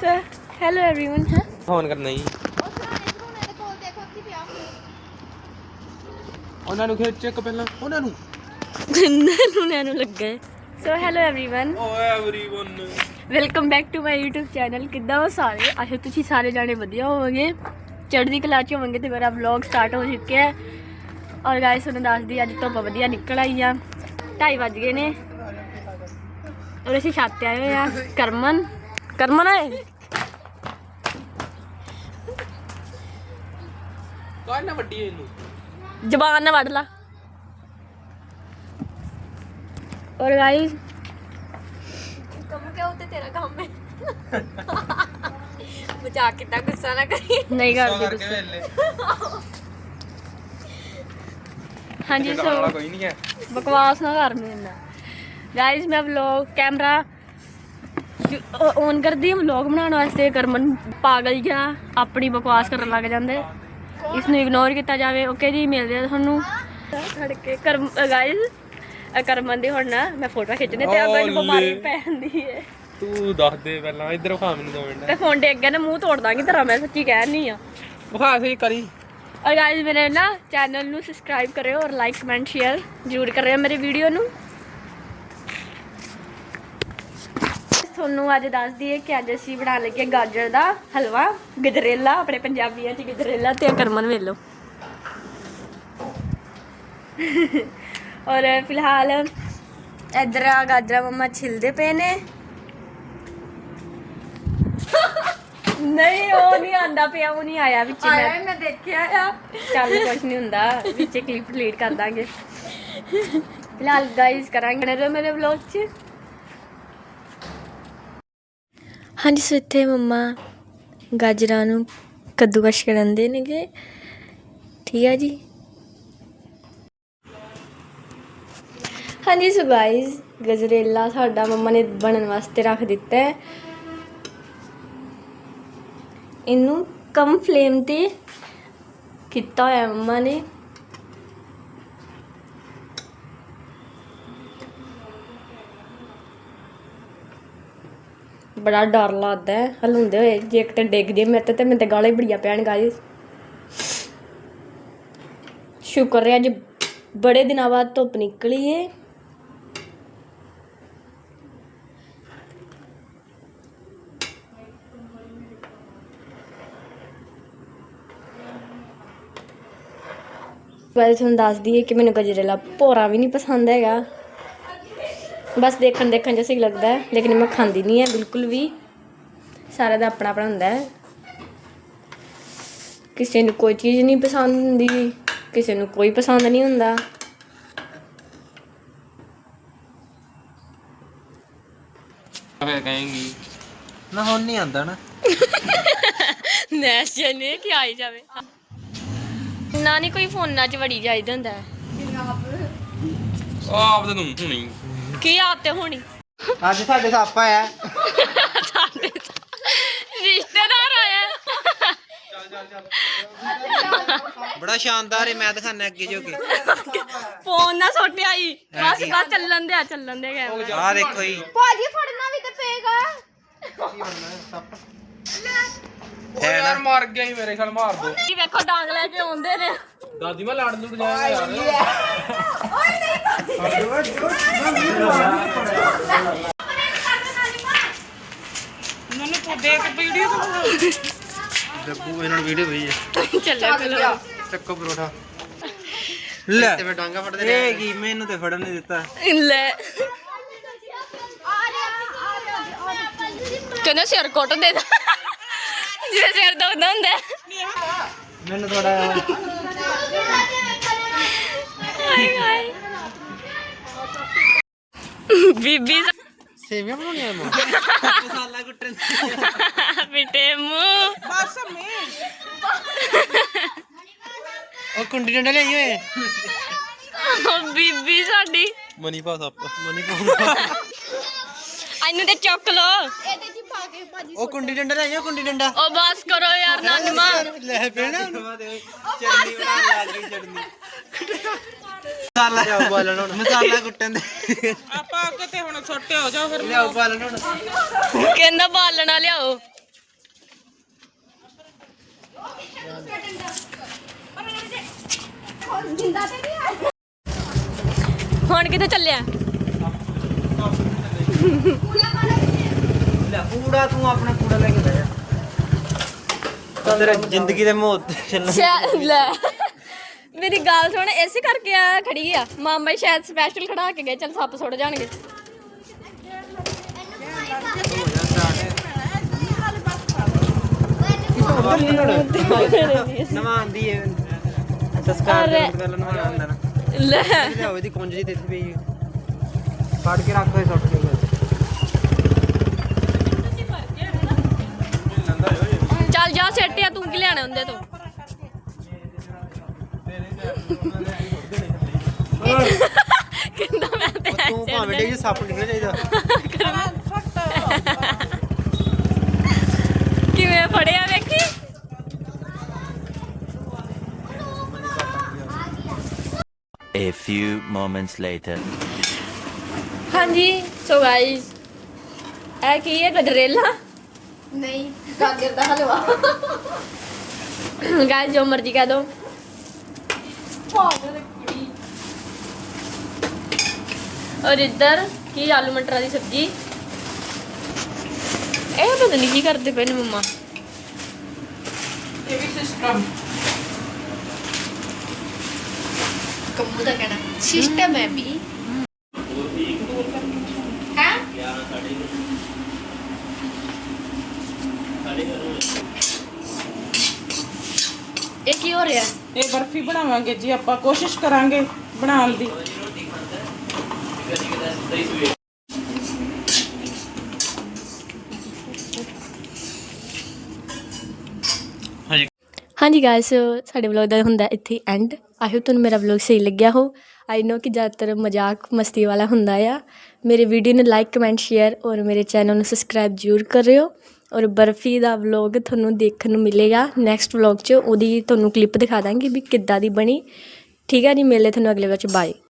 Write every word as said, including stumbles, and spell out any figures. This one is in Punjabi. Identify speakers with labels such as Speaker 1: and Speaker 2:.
Speaker 1: So, hello everyone. Huh?
Speaker 2: Phone करना ही ਉਹਨਾਂ ਨੂੰ ਖੇਚ ਚੱਕ ਪਹਿਲਾਂ ਉਹਨਾਂ ਨੂੰ
Speaker 1: ਨੂੰ ਨੂੰ ਲੱਗਾ so hello everyone
Speaker 2: oh everyone
Speaker 1: welcome back to my YouTube channel. ਕਿੱਦਾਂ ਹੋ ਸਾਰੇ? ਆਸ਼ਾ ਤੁਸੀਂ ਸਾਰੇ ਜਾਣੇ ਵਧੀਆ ਹੋਵੋਗੇ, ਚੜ੍ਹਦੀ ਕਲਾ ਚ ਹੋਵੋਗੇ ਤੇ ਮੇਰਾ ਵਲੌਗ ਸਟਾਰਟ ਹੋ ਚੁੱਕਿਆ ਹੈ। ਔਰ ਗਾਇਸ ਤੁਹਾਨੂੰ ਦੱਸਦੀ ਅੱਜ ਧੁੱਪ ਵਧੀਆ ਨਿਕਲ ਆਈ ਆ, ਢਾਈ ਵੱਜ ਗਏ ਨੇ ਔਰ ਅਸੀਂ ਛੱਤ ਤੇ ਆਏ ਹੋਏ ਆ। ਕਰਮਨ ਕਰਮਨ ਆਏ
Speaker 2: ਕਾਹ ਨਾ ਵੱਡੀ ਇਹਨੂੰ
Speaker 1: ਜ਼ਬਾਨ ਨਾ ਵੱਢ ਲਾ। और गाइस कम क्या होते तेरा काम है मजाक कितना गुस्सा ना करी नहीं करते गुस्सा। हाँ जी सो
Speaker 2: कोई नहीं है
Speaker 1: बकवास ना कर मेरे ना। गाइस मैं व्लॉग कैमरा ऑन कर दी व्लॉग बनाने वास्ते। करमन पागल जा अपनी बकवास करन लग जांदे, इसनूं इग्नोर किया जाए। ओके जी मिलते हैं तुहानूं खड़के कर गाइस। ਕਰਮਨ ਦੀ ਹੁਣ ਨਾ ਮੈਂ ਫੋਟੋ ਖਿੱਚਣੇ ਤੇ ਅੱਗੇ ਨੂੰ ਬਿਮਾਰੀ ਪੈ ਜਾਂਦੀ ਹੈ।
Speaker 2: ਤੂੰ ਦੱਸ ਦੇ ਪਹਿਲਾਂ ਇੱਧਰ ਖਾ ਮੈਨੂੰ ਦੋ ਮਿੰਟ
Speaker 1: ਤੇ ਫੋਨ ਦੇ ਅੱਗੇ ਨਾ ਮੂੰਹ ਤੋੜ ਦਾਂਗੀ ਤੇਰਾ, ਮੈਂ ਸੱਚੀ ਕਹਿ ਨਹੀਂ ਆ।
Speaker 2: ਵਿਖਾ ਸਹੀ ਕਰੀ।
Speaker 1: ਔਰ ਗਾਇਸ ਮੇਰੇ ਨਾ ਚੈਨਲ ਨੂੰ ਸਬਸਕ੍ਰਾਈਬ ਕਰਿਓ ਔਰ ਲਾਈਕ ਕਮੈਂਟ ਸ਼ੇਅਰ ਜ਼ਰੂਰ ਕਰਿਓ ਮੇਰੀ ਵੀਡੀਓ ਨੂੰ। ਤੁਹਾਨੂੰ ਅੱਜ ਦੱਸ ਦਈਏ ਕਿ ਅੱਜ ਅਸੀਂ ਬਣਾ ਲੱਗੇ ਗਾਜਰ ਦਾ ਹਲਵਾ, ਗਜਰੇਲਾ ਆਪਣੇ ਪੰਜਾਬੀਆਂ 'ਚ ਗਜਰੇਲਾ। ਤੇ ਕਰਮਨ ਵੇਖ ਲਓ। और फिलहाल इधर गाजरा मम्मा छिलते पे ने। नहीं वो नहीं आंदा पे, वो नहीं आया विच मैं मैं देखया आ। चल कुछ नहीं हुंदा, विच क्लिप डिलीट कर दांगे। फिलहाल गाइस करांगे ना मेरे व्लॉग च। हाँ जी सो इत्थे मम्मा गाजरां नूं कद्दूकश करन दे नेगे, ठीक है जी। हाँ जी सो गाइस गजरेला साडा मम्मा ने बनन वास्ते रख दिता है। इनू कम फ्लेम ते किता होया मम्मा ने। बड़ा डर लगता है हलूंदे होए, जे किते डिग जे मेरे ते मेरे ते गालां ही बड़ियां पैण गाइस। शुक्र है अज बड़े दिनों बाद धुप्प निकली है। वैसे तुहानूं दस दी कि मैनूं गजरेला भोरा भी नहीं पसंद हैगा, बस देखण देखण च सही लगता है, लेकिन मैं खांदी नहीं है बिल्कुल भी। सारे दा अपना अपना हुंदा है, किसी नूं कोई चीज़ नहीं पसंद हुंदी, किसी नूं कोई पसंद नहीं हुंदा।
Speaker 2: फिर कहेंगी ना हुण नहीं आंदा ना
Speaker 1: नैश जने कि आई जावे ना नहीं कोई फोना च वड़ी जाइदा हुंदा है।
Speaker 2: ਆਪ ਤੇ ਤੂੰ ਹੁਣੀ
Speaker 1: की आते होनी
Speaker 3: ਅੱਜ ਸਾਡੇ ਸੱਪ ਆਇਆ।
Speaker 1: साडे रिश्तेदार आया।
Speaker 3: ਬੜਾ ਸ਼ਾਨਦਾਰ ਹੈ, ਮੈਂ ਦਿਖਾਣਾ ਅੱਗੇ ਜੋ ਕੇ।
Speaker 1: फोन ना सोटे आई बस बस चलन दे चलन दे कैमरा।
Speaker 3: ਆਹ ਦੇਖੋ ਜੀ
Speaker 4: ਭਾਜੀ ਫੜਨਾ ਵੀ ਤੇ ਪਏਗਾ।
Speaker 2: ਓ ਯਾਰ ਮਰ ਗਿਆ ਹੀ ਮੇਰੇ ਖਿਆਲ ਮਾਰ ਦੋ।
Speaker 1: ਕੀ ਵੇਖੋ ਡਾਂਗ ਲੈ ਕੇ ਆਉਂਦੇ ਨੇ।
Speaker 2: ਦਾਦੀ ਮੈਂ ਲੜ ਲੁੜ ਜਾਏਗਾ ਯਾਰ।
Speaker 1: ਮੈਨੂੰ ਤੂੰ ਦੇਖ ਵੀਡੀਓ
Speaker 3: ਡੱਬੂ ਇਹਨਾਂ ਨੂੰ ਵੀਡੀਓ ਭੇਜ
Speaker 1: ਚੱਲਿਆ ਚਲੋ
Speaker 3: ਚੱਕੋ ਪਰੋਠਾ ਲੈ ਤੇ ਮੈਂ ਡਾਂਗਾ ਫੜਦੇ ਨੇ। ਇਹ ਕੀ ਮੈਨੂੰ ਤੇ ਫੜਨ ਨਹੀਂ ਦਿੱਤਾ।
Speaker 1: ਲੈ ਕਹਿੰਦਾ ਸਿਰ ਕੁੱਟ ਦੇ ਜਿਵੇਂ ਸਿਰ ਦੁਖਦਾ ਹੁੰਦਾ।
Speaker 3: ਮੈਨੂੰ ਥੋੜਾ
Speaker 1: ਹਾਏ ਹਾਏ ਬੀਬੀ
Speaker 3: ਸੇਵੀਆਂ ਬਣਾਉਣੀਆਂ ਮੈਂ ਮਸਾਲਾ ਕੁੱਟਣ
Speaker 1: ਬਿਟੇ ਮੂੰਹ
Speaker 4: ਬਸ ਮੇ
Speaker 3: ਉਹ ਕੁੰਡੀ ਡੰਡਾ ਲਈ ਓਏ।
Speaker 1: ਉਹ ਬੀਬੀ ਸਾਡੀ
Speaker 2: ਮਨੀ ਪਾ ਸੱਪ
Speaker 3: ਮਨੀ ਪਾ
Speaker 1: ਇਹਨੂੰ ਤੇ ਚੁੱਕ ਲੋ।
Speaker 4: ਇਹਦੇ ਚ ਪਾ ਕੇ ਭਾਜੀ
Speaker 3: ਉਹ ਕੁੰਡੀ ਡੰਡਾ ਲੈ ਕੁੰਡੀ ਡੰਡਾ
Speaker 1: ਉਹ ਬਸ ਕਰੋ ਯਾਰ ਨਾਨਮਾ।
Speaker 3: ਲੈ ਪੈਣਾ ਚਟਨੀ ਬਣਾਉਣ ਲੱਗ ਗਈ। ਚਟਨੀ ਮਸਾਲਾ ਉਬਾਲਣ ਹੁਣ ਮਸਾਲਾ ਕੁੱਟਣ ਦੇ
Speaker 4: ਆਪਾਂ ਅੱਗੇ ਤੇ ਹੁਣ ਛੋਟੇ ਹੋ ਜਾਓ ਫਿਰ
Speaker 3: ਲਿਆਓ ਉਬਾਲਣ ਹੁਣ।
Speaker 1: ਕਹਿੰਦਾ ਬਾਲਣਾ ਲਿਆਓ।
Speaker 4: ਜਿੰਦਾ ਤੇ ਨਹੀਂ ਆ
Speaker 1: ਹੁਣ ਕਿੱਥੇ ਚੱਲਿਆ?
Speaker 3: ਲੈ ਕੂੜਾ ਤੂੰ ਆਪਣਾ ਕੂੜਾ ਲੈ ਕੇ ਬਹਿ ਜਾ ਤਾਂ ਤੇਰਾ ਜ਼ਿੰਦਗੀ ਦੇ ਮੋਹ ਤੇ ਚੱਲਣਾ
Speaker 1: ਸ਼ਾਇਦ ਲੈ ਮੇਰੀ ਗੱਲ ਸੁਣ, ਇਸੇ ਕਰਕੇ ਆ ਖੜੀ ਆ ਮਾਮਾ ਹੀ ਸ਼ਾਇਦ ਸਪੈਸ਼ਲ ਖੜਾ ਕੇ ਗਏ, ਚੱਲ ਸੱਪ ਸੁੱਟ ਜਾਣਗੇ।
Speaker 3: ਨਵਾਂ ਆਂਦੀ ਹੈ ਸੰਸਕਾਰ ਦੇ ਪਹਿਲਾਂ ਨਵਾਂ ਆਂਦਾ ਨਾ
Speaker 1: ਲੈ
Speaker 3: ਲੈ ਹੋਵੇ ਦੀ ਕੁੰਜ ਜੀ ਤੇ ਇੱਥੇ ਪਈ ਫੜ ਕੇ ਰੱਖ ਦੇ ਸੁੱਟ ਕੇ
Speaker 1: ਚੱਲ ਜਾ ਸਿੱਟ ਆ, ਤੂੰ ਕੀ ਲੈਣਾ ਹੁੰਦੇ ਤੋਂ? ਕਿੰਦਾ ਮੈਂ ਤੇ
Speaker 3: ਤੂੰ ਭਾਵੇਂ ਡੇ ਸੱਪ ਨਿਕਲ ਚਾਹੀਦਾ
Speaker 1: ਕਿਵੇਂ ਫੜਿਆ ਵੇਖੀ।
Speaker 5: A few moments later.
Speaker 1: ਹਾਂਜੀ ਸੋ ਗਾਇਸ ਇਹ ਕੀ ਹੈ? ਗਜਰੇਲਾ
Speaker 4: ਨਹੀਂ ਗਾਜਰ ਦਾ ਹਲਵਾ
Speaker 1: ਗਾਇਸ ਜੋ ਮਰਜ਼ੀ ਕਹਿ ਦੋ। ਔਰ ਇੱਧਰ ਕੀ ਆਲੂ ਮਟਰਾਂ ਦੀ ਸਬਜ਼ੀ। ਇਹ ਪਤਾ ਨਹੀਂ ਕੀ ਕਰਦੇ ਪਏ ਨੇ ਮੰਮਾ।
Speaker 6: ਇਹ ਵੀ ਸਿਸਟਮ
Speaker 4: ਕੰਮੂ ਦਾ ਕਹਿਣਾ ਸਿਸਟਮ ਹੈ ਵੀ ਹੈ
Speaker 1: ਇਹ ਕੀ ਹੋ ਰਿਹਾ?
Speaker 6: ਇਹ ਬਰਫੀ ਬਣਾਵਾਂਗੇ ਜੀ ਆਪਾਂ, ਕੋਸ਼ਿਸ਼ ਕਰਾਂਗੇ ਬਣਾਉਣ ਦੀ।
Speaker 1: ਹਾਂਜੀ ਗਾਇਸ ਸਾਡੇ ਵਲੌਗ ਦਾ ਹੁੰਦਾ ਇੱਥੇ ਐਂਡ। ਆਈ ਹੋਪ ਤੁਹਾਨੂੰ ਮੇਰਾ ਵਲੌਗ ਸਹੀ ਲੱਗਿਆ ਹੋ। ਆਈ ਨੋ ਕਿ ਜ਼ਿਆਦਾਤਰ ਮਜ਼ਾਕ ਮਸਤੀ ਵਾਲਾ ਹੁੰਦਾ ਆ। ਮੇਰੇ ਵੀਡੀਓ ਨੂੰ ਲਾਈਕ ਕਮੈਂਟ ਸ਼ੇਅਰ ਔਰ ਮੇਰੇ ਚੈਨਲ ਨੂੰ ਸਬਸਕ੍ਰਾਈਬ ਜ਼ਰੂਰ ਕਰਿਓ। ਔਰ ਬਰਫੀ ਦਾ ਵਲੌਗ ਤੁਹਾਨੂੰ ਦੇਖਣ ਨੂੰ ਮਿਲੇਗਾ ਨੈਕਸਟ ਵਲੌਗ 'ਚ। ਉਹਦੀ ਤੁਹਾਨੂੰ ਕਲਿੱਪ ਦਿਖਾ ਦਾਂਗੀ ਵੀ ਕਿੱਦਾਂ ਦੀ ਬਣੀ। ਠੀਕ ਹੈ ਜੀ, ਮਿਲਦੇ ਤੁਹਾਨੂੰ ਅਗਲੇ ਵਲੌਗ 'ਚ। ਬਾਏ।